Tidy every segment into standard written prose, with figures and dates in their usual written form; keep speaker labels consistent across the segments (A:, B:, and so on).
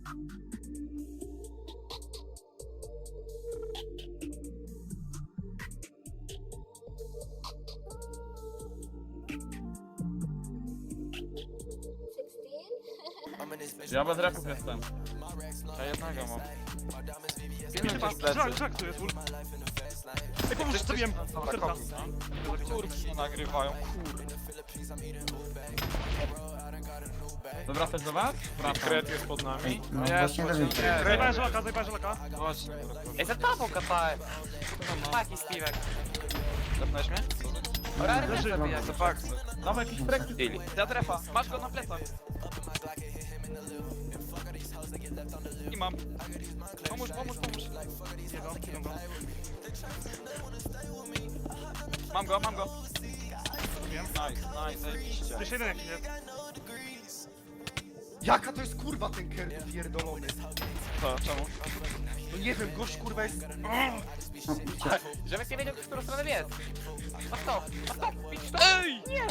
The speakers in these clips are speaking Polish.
A: Ja bez repów jestem.
B: Ja jednego mam.
C: Żak tu jest, ul. Ej, pomóż, zabiłem.
B: Dobra,
C: Serca.
B: kopił, no. Kurki nagrywają, kurde.
A: To wracać do was? Wracam.
D: Kret jest pod nami.
E: No
B: Jest,
E: właśnie
B: właśnie,
E: dowiedziałem.
B: jest.
C: Zajebałem żelaka, zajebałem żelaka.
B: Właśnie.
F: Ej, za tobą kapałem. Taki Steve'ek.
B: Zapnąłeś mnie?
F: Ora,
C: Leży.
F: też zabijak.
B: To fakt.
A: Dawaj jakiś trekty.
B: Za trefa, masz go na plecach. I mam. Pomóż.
C: Jego.
B: Mam go. Nice, zajebiście.
C: Jeszcze jeden jakiś jest.
G: Jaka to jest kurwa ten kert pierdolony?
B: Co, czemu?
G: No nie wiem, gość kurwa jest...
F: Żebyś nie wiedział, w którą stronę biec. Masz to, pić to.
B: Ej!
F: Nie!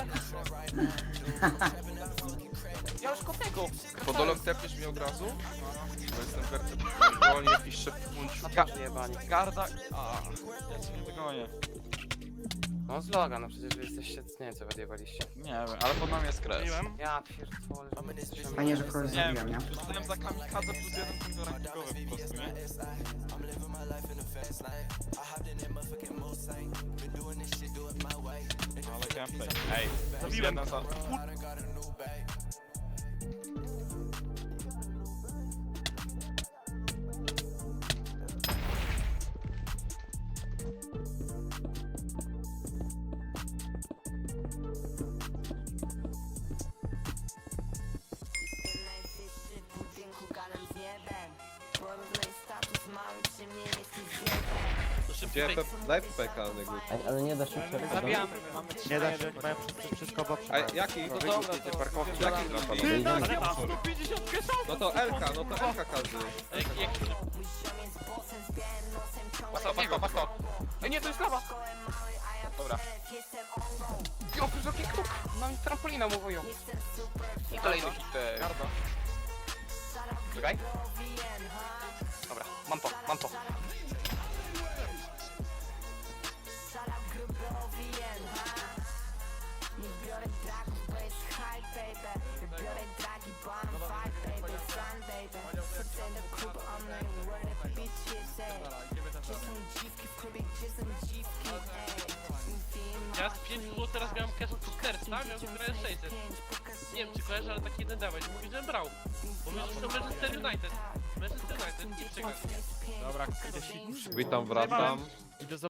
F: Ja już kopnego.
D: Podolog tepniesz mi od razu? Bo jestem wertet. Wolnie jakiś szepnąć.
F: Jebani.
B: Garda... A, ja cię nie dogonię.
F: No z loga, no przecież wy jesteście, nie wiem co wy odjebaliście.
B: Nie wiem, ale pod nami jest kres.
C: Biłem.
F: Ja pierdolę.
E: Fajnie, że kogoś
B: Nie
E: zabiłem,
B: wiem,
E: nie?
B: dostałem za kamikadze plus jeden punkt rankingowy po prostu, nie? Ale gameplay. Ej,
C: Zabiłem.
B: jeden za...
H: Najwyższy w budynku gadam z niebem. Porównaj status mały przy mnie jest
D: Gdzie daj PK nego.
E: Ale nie da się
F: Zabijamy.
G: Nie da się, mają wszystko obok.
D: A jaki?
B: No dobra, to
D: Parkowki. Jaki trapa?
C: Areta.
D: No to LK każdy.
F: Masz to. Ej, nie, to jest lawa. Dobra. Jo, wysoki kruk. Mam trampolina mówią. I kolejny hit.
B: garda.
F: Czekaj. Dobra, mam to.
C: Ja z 5 było teraz miałem cash od Kerta, miałem grę 600. Nie wiem czy kojarzę, ale taki jeden dawać. Mówi, że brał. Bo my to Manchester United. Manchester United, nie przegrał.
A: Dobra,
D: Witam, wracam.
C: Idę